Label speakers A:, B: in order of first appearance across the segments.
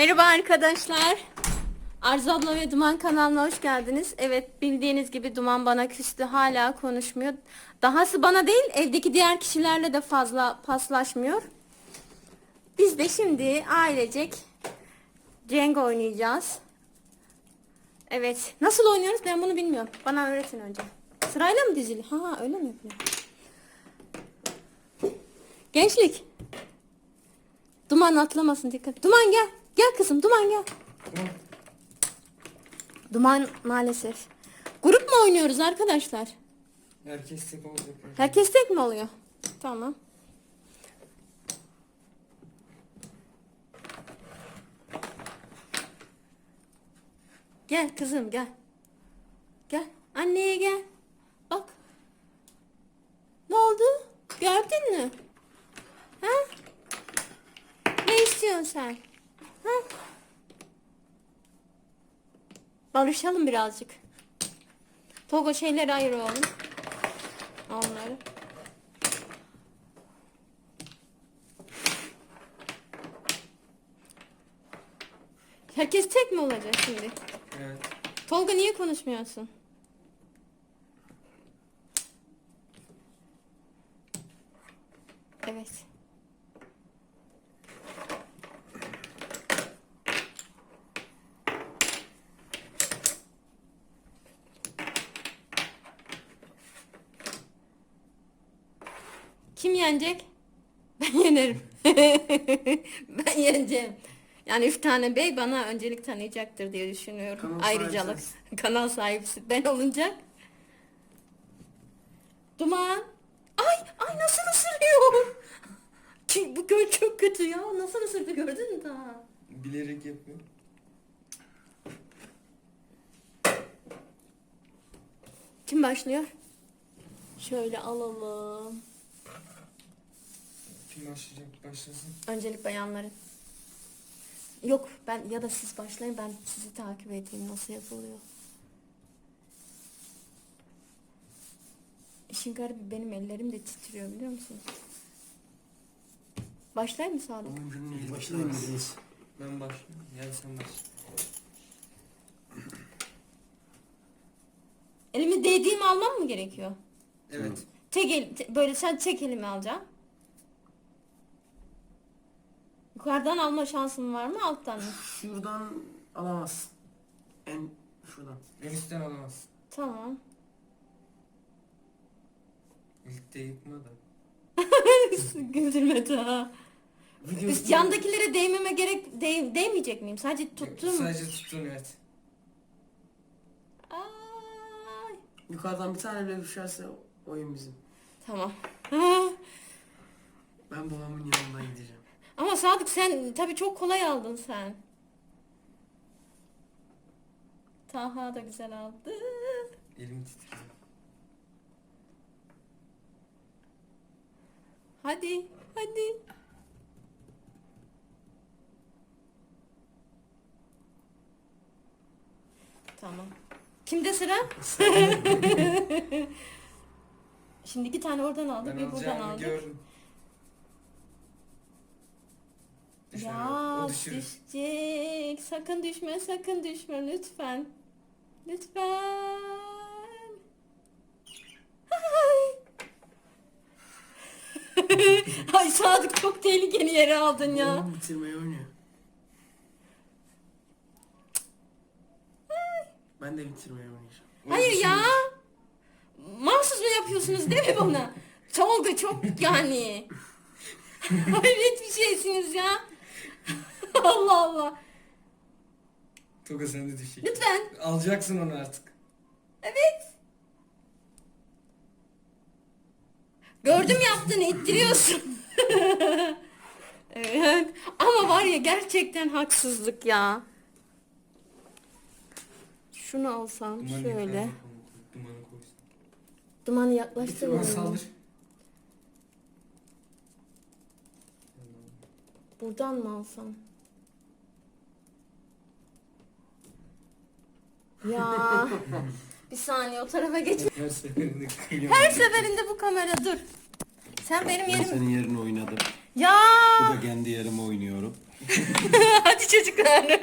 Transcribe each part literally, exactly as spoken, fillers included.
A: Merhaba arkadaşlar. Arzu abla ve Duman kanalına hoş geldiniz. Evet, bildiğiniz gibi Duman bana küstü, hala konuşmuyor. Dahası bana değil, evdeki diğer kişilerle de fazla paslaşmıyor. Biz de şimdi ailecek Cenk oynayacağız. Evet, nasıl oynuyoruz ben bunu bilmiyorum. Bana öğretin önce. Sırayla mı dizili? Ha ha, öyle mi yapıyor? Gençlik. Duman atlamasın, dikkat. Duman gel. Gel kızım, Duman gel. Duman maalesef. Grup mu oynuyoruz arkadaşlar?
B: Herkes tek olacak.
A: Herkes tek mi oluyor? Tamam. Gel kızım gel. Gel. Anneye gel. Bak. Ne oldu? Gördün mü? Ha? Ne istiyorsun sen? Ha? Barışalım birazcık. Togo şeyleri ayır oğlum. Onları. Herkes tek mi olacak şimdi?
B: Evet.
A: Tolga niye konuşmuyorsun? Evet. Kim yenecek? Ben yenerim. Ben yeneceğim. Yani üç tane bey bana öncelik tanıyacaktır diye düşünüyorum.
B: Kanal
A: Ayrıcalık.
B: sahibi
A: Kanal sahibisi ben olunca. Duman. Ay ay nasıl ısırıyor? Ki bu göl çok kötü ya. Nasıl ısırdı gördün mü daha?
B: Bilerek yapıyor.
A: Kim başlıyor? Şöyle alalım.
B: Kim başlayacak? Başlasın.
A: Öncelik bayanların. Yok ben ya da siz başlayın, ben sizi takip edeyim nasıl yapılıyor. İşin garibi benim ellerim de titriyor biliyor musunuz? Başlayayım mı Sadık?
B: Oyuncunun eli
C: Başlayalım
B: başlayalım.
C: biz.
B: Ben başlıyorum. Gel sen başla.
A: Elimi değdiğimi almam mı gerekiyor?
B: Evet.
A: Tek el, te- böyle sen tek elimi alacaksın. Yukarıdan alma şansın var mı, alttan mı?
C: Şuradan alamazsın. En şuradan.
B: En üstten alamazsın.
A: Tamam.
B: İlk de yıkma da.
A: Güldürme daha.
C: Video
A: Üst yandakilere değmeme gerek değ, değmeyecek miyim? Sadece tuttum.
B: Sadece tuttun evet.
A: Ay.
C: Yukarıdan bir tane bile düşerse oyun bizim.
A: Tamam.
C: Ben babamın yanına gideceğim.
A: Ama Sadık sen tabii çok kolay aldın sen. Taha da güzel aldı.
B: Elim titriyor.
A: Hadi, hadi. Tamam. Kimde sıra? Şimdi iki tane oradan aldı,
B: Ben
A: bir buradan
B: alacağımı
A: aldı.
B: gördüm. Düşme,
A: Ya
B: o düşürür.
A: düşecek. Sakın düşme, sakın düşme lütfen. Lütfen. Ay. Ay Sadık çok tehlikeli yere aldın ya.
C: Babam bitirmeyi oynuyor. Ben de bitirmeyi oynayacağım.
B: O
A: Hayır
B: düşürür.
A: ya. Mahsus mu yapıyorsunuz değil mi bana? Tolga çok yani. Hayret bir şeysiniz ya. Allah Allah.
B: Toga sen de düşecek.
A: Lütfen.
B: Alacaksın onu artık.
A: Evet. Gördüm yaptığını, ittiriyorsun. Evet. Ama var ya gerçekten haksızlık ya. Şunu alsam
B: Dumanı
A: şöyle.
B: yukarıda koy, Dumanı koysun.
A: Dumanı
B: Duman
A: yaklaştıralım.
B: saldır.
A: Buradan mı alsam? Ya. Bir saniye o tarafa geç.
B: Her seferinde kıyıyorum.
A: Her seferinde bu kamera dur. Sen benim
D: Ben
A: yerim.
D: senin yerini oynadım.
A: Ya.
D: Bu da kendi yerime oynuyorum.
A: Hadi çocuklar.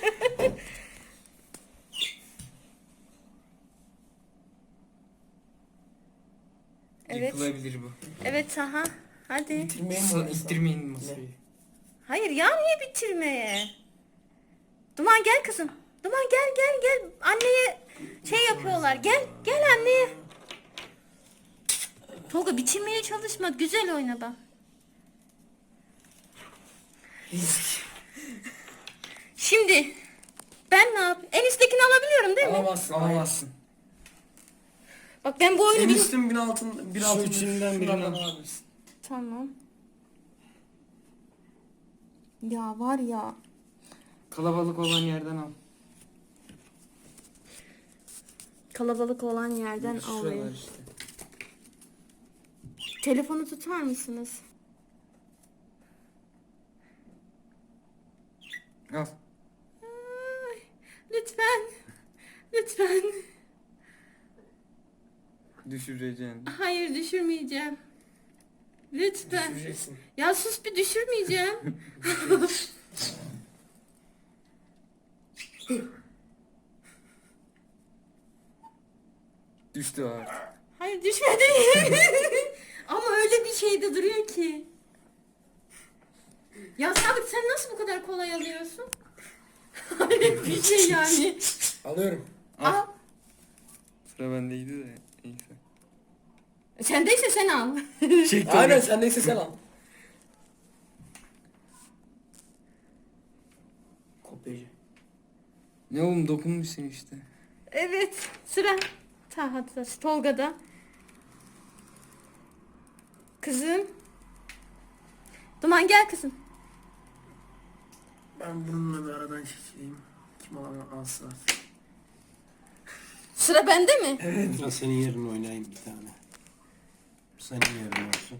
A: Evet.
B: Yıkılabilir bu.
A: Evet aha. Hadi.
C: Bitirmeye mi
B: Sa-
C: oynasam?
B: İttirmeyin masayı.
A: Hayır ya, niye bitirmeye? Duman gel kızım. Duman gel gel gel. Anneye şey yapıyorlar. Gel gel anneye. Tolga bitirmeye çalışma. Güzel oyna bak. Şimdi ben ne yapayım? En üsttekini alabiliyorum değil mi?
C: Alamazsın.
B: Alamazsın.
A: Bak ben bu oyunu
C: En
A: bil-
C: üstün bir altın, bir
B: Şu
C: altın.
B: üçünden birini
C: şunlardan
B: al.
C: alabilirsin.
A: Tamam. Ya var ya.
B: Kalabalık olan yerden al.
A: Kalabalık olan yerden
B: Şuralar
A: alayım.
B: işte.
A: Telefonu tutar mısınız?
B: Al.
A: Ay, lütfen. Lütfen.
B: Düşüreceksin.
A: Hayır düşürmeyeceğim. Lütfen.
C: Düşüreceksin.
A: Ya sus, bir düşürmeyeceğim.
B: Düştü artık.
A: Hayır düşmedi. Ama öyle bir şeyde duruyor ki. Ya Sadık, sen nasıl bu kadar kolay alıyorsun? Hayret bir şey yani.
C: Alıyorum.
A: Al.
B: Sıra bendeydi de neyse.
A: Sendeyse sen al.
B: Şey,
C: Aynen sendeyse sen al. Kopyacı.
B: Ne oğlum, dokunmuşsun işte.
A: Evet, sıra Tahat'ta, Tolga'da. Kızım. Duman gel kızım.
C: Ben bununla bir aradan çekileyim. Kim alan alsın artık.
A: Sıra bende mi?
D: Ya senin yerine oynayayım bir tane. Senin yerin olsun.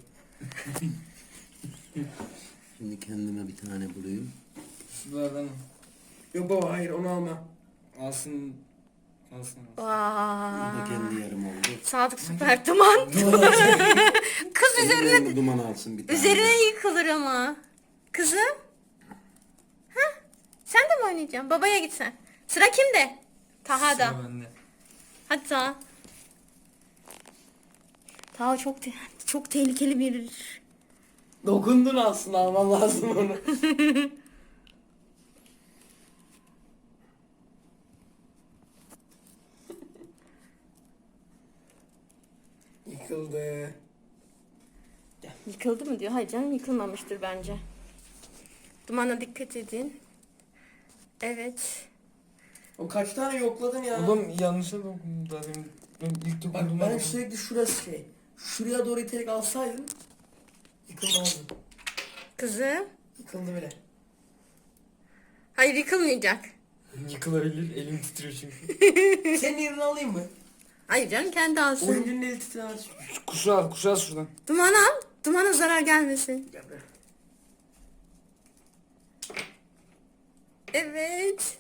D: Şimdi kendime bir tane bulayım.
B: Şuralardan al.
C: Yok baba hayır onu alma.
B: Alsın. Alsın alsın.
D: Bu da
A: Vaa.
D: kendi yerim oldu.
A: Sadık süper Duman. Kız üzerine
D: Üzerine duman alsın bir tane.
A: üzerine yıkılır ama. Kızım. Hah. Sen de mi oynayacaksın? Babaya gitsen. Sıra kimde? Taha'da.
B: Sıra bende.
A: Hadi Taha. Taha çok te- çok tehlikeli bir.
C: Dokundun aslında alman lazım onu. Yıkıldı.
A: Yıkıldı mı diyor. Hayır canım, yıkılmamıştır bence. Dumana dikkat edin. Evet.
C: O kaç tane yokladın ya?
B: Oğlum yanlışa dokundum daha demin. Ben ilk
C: Bak
B: dokundum.
C: ben sürekli şurası şey. Şuraya doğru iterek alsaydım yıkılmazdı.
A: Kızım.
C: Yıkıldı bile.
A: Hayır, yıkılmayacak.
B: Yıkılabilir, elim titriyor çünkü.
C: Senin yerini alayım mı?
A: Hayır canım, kendi alsın.
C: Oyuncunun eli titrer.
B: Kuşu al, kuşu al şuradan.
A: Duman al. Dumana zarar gelmesin.
C: Gel buraya.
A: Evet.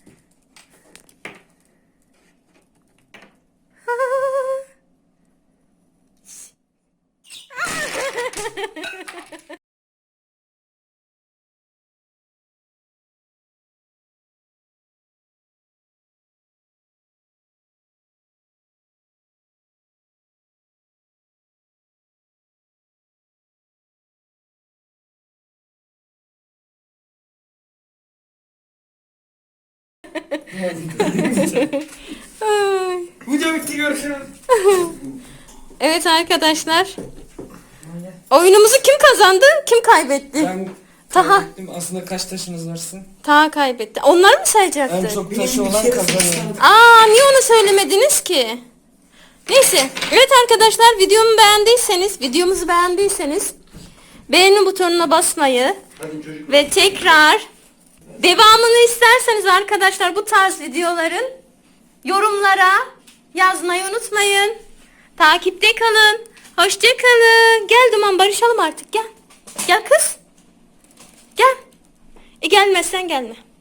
A: Ay.
C: Video bitti, görüşürüz.
A: Evet arkadaşlar. Oyunumuzu kim kazandı? Kim kaybetti?
B: Ben
A: Taha.
B: kaybettim. Aslında kaç taşınız varsın?
A: Taha kaybetti. Onları mı sayacaktı?
B: En çok
C: Benim
B: taşı
C: bir
B: olan
C: kere
B: kazanıyor.
C: sıçradım.
A: Aa, niye onu söylemediniz ki? Neyse. Evet arkadaşlar, videomu beğendiyseniz, videomuzu beğendiyseniz beğeni butonuna basmayı
D: Hadi çocuk.
A: ve tekrar devamını isterseniz arkadaşlar bu tarz videoların yorumlara yazmayı unutmayın. Takipte kalın. Hoşça kalın. Gel Duman, barışalım artık, gel. Gel kız. Gel. E gelmezsen gelme.